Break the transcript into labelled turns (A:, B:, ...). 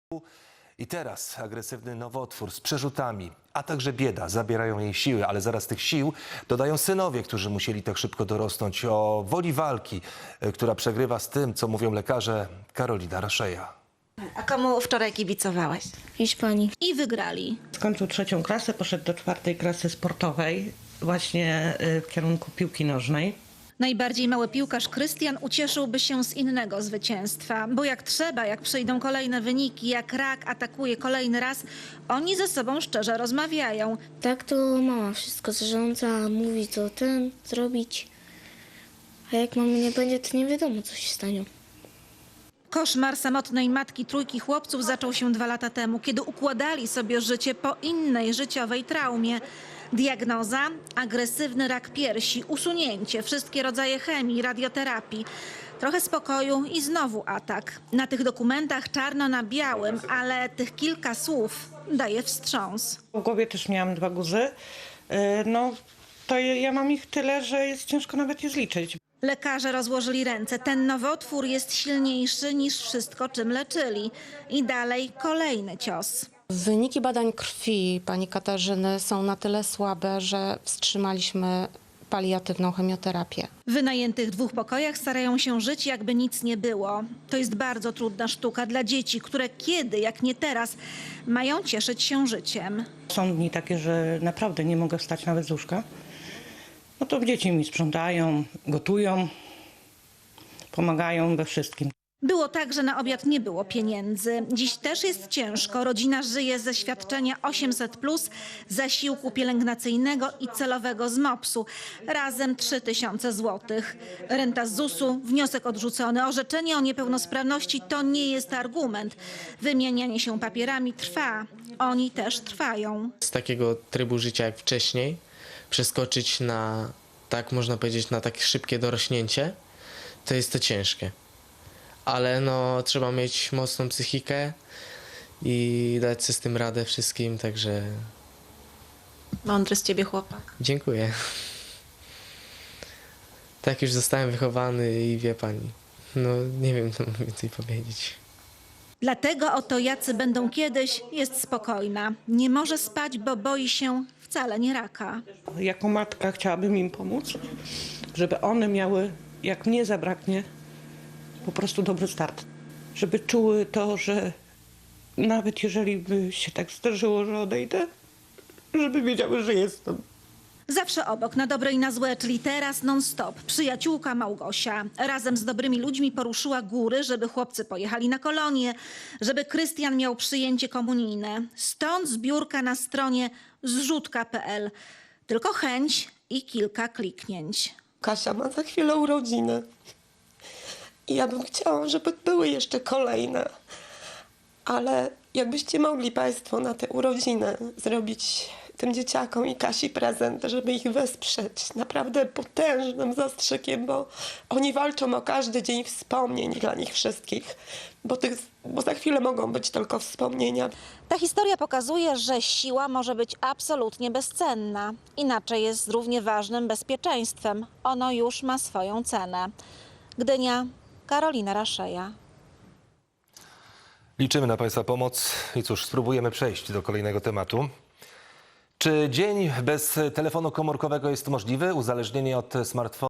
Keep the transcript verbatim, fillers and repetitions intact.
A: I teraz agresywny nowotwór z przerzutami, a także bieda zabierają jej siły, ale zaraz tych sił dodają synowie, którzy musieli tak szybko dorosnąć. O woli walki, która przegrywa z tym, co mówią lekarze, Karolina Raszeja.
B: A komu wczoraj kibicowałeś?
C: Hiszpanii.
B: I wygrali.
D: Skończył trzecią klasę, poszedł do czwartej klasy sportowej, właśnie w kierunku piłki nożnej.
E: Najbardziej mały piłkarz Krystian ucieszyłby się z innego zwycięstwa, bo jak trzeba, jak przyjdą kolejne wyniki, jak Rak atakuje kolejny raz, oni ze sobą szczerze rozmawiają.
C: Tak to mama wszystko zarządza, mówi co ten zrobić. A jak mamy nie będzie, to nie wiadomo co się stanie.
E: Koszmar samotnej matki trójki chłopców zaczął się dwa lata temu, kiedy układali sobie życie po innej życiowej traumie. Diagnoza: agresywny rak piersi, usunięcie, wszystkie rodzaje chemii, radioterapii. Trochę spokoju i znowu atak. Na tych dokumentach czarno na białym, ale tych kilka słów daje wstrząs.
D: W głowie też miałam dwa guzy. No to ja mam ich tyle, że jest ciężko nawet je zliczyć.
E: Lekarze rozłożyli ręce. Ten nowotwór jest silniejszy niż wszystko, czym leczyli. I dalej kolejny cios.
F: Wyniki badań krwi pani Katarzyny są na tyle słabe, że wstrzymaliśmy paliatywną chemioterapię.
E: W wynajętych dwóch pokojach starają się żyć, jakby nic nie było. To jest bardzo trudna sztuka dla dzieci, które kiedy, jak nie teraz, mają cieszyć się życiem.
D: Są dni takie, że naprawdę nie mogę wstać nawet z łóżka. No to dzieci mi sprzątają, gotują, pomagają we wszystkim.
E: Było tak, że na obiad nie było pieniędzy. Dziś też jest ciężko. Rodzina żyje ze świadczenia osiemset plus, zasiłku pielęgnacyjnego i celowego z mopsu. Razem trzy tysiące złotych. Renta z zusu, wniosek odrzucony. Orzeczenie o niepełnosprawności to nie jest argument. Wymienianie się papierami trwa. Oni też trwają.
G: Z takiego trybu życia jak wcześniej przeskoczyć na, tak można powiedzieć, na takie szybkie dorośnięcie, to jest to ciężkie. Ale no, trzeba mieć mocną psychikę i dać sobie z tym radę wszystkim, także
B: Mądry z ciebie chłopak.
G: dziękuję. Tak już zostałem wychowany i wie pani, no nie wiem co więcej powiedzieć.
E: Dlatego oto jacy będą kiedyś jest spokojna. Nie może spać, bo boi się wcale nie raka.
D: Jako matka chciałabym im pomóc, żeby one miały, jak mnie zabraknie, po prostu dobry start. Żeby czuły to, że nawet jeżeli by się tak zdarzyło, że odejdę, żeby wiedziały, że jestem.
E: Zawsze obok, na dobre i na złe, czyli teraz non-stop. Przyjaciółka Małgosia razem z dobrymi ludźmi poruszyła góry, żeby chłopcy pojechali na kolonie, żeby Krystian miał przyjęcie komunijne. Stąd zbiórka na stronie zrzutka kropka pe el. Tylko chęć i kilka kliknięć.
H: Kasia ma za chwilę urodziny. I ja bym chciała, żeby były jeszcze kolejne. Ale jakbyście mogli państwo na te urodziny zrobić tym dzieciakom i Kasi prezent, żeby ich wesprzeć naprawdę potężnym zastrzykiem, bo oni walczą o każdy dzień wspomnień dla nich wszystkich, bo, tych, bo za chwilę mogą być tylko wspomnienia.
E: Ta historia pokazuje, że siła może być absolutnie bezcenna. Inaczej jest z równie ważnym bezpieczeństwem. Ono już ma swoją cenę. Gdynia, Karolina Raszeja.
A: Liczymy na państwa pomoc i cóż, spróbujemy przejść do kolejnego tematu. Czy dzień bez telefonu komórkowego jest możliwy? Uzależnienie od smartfona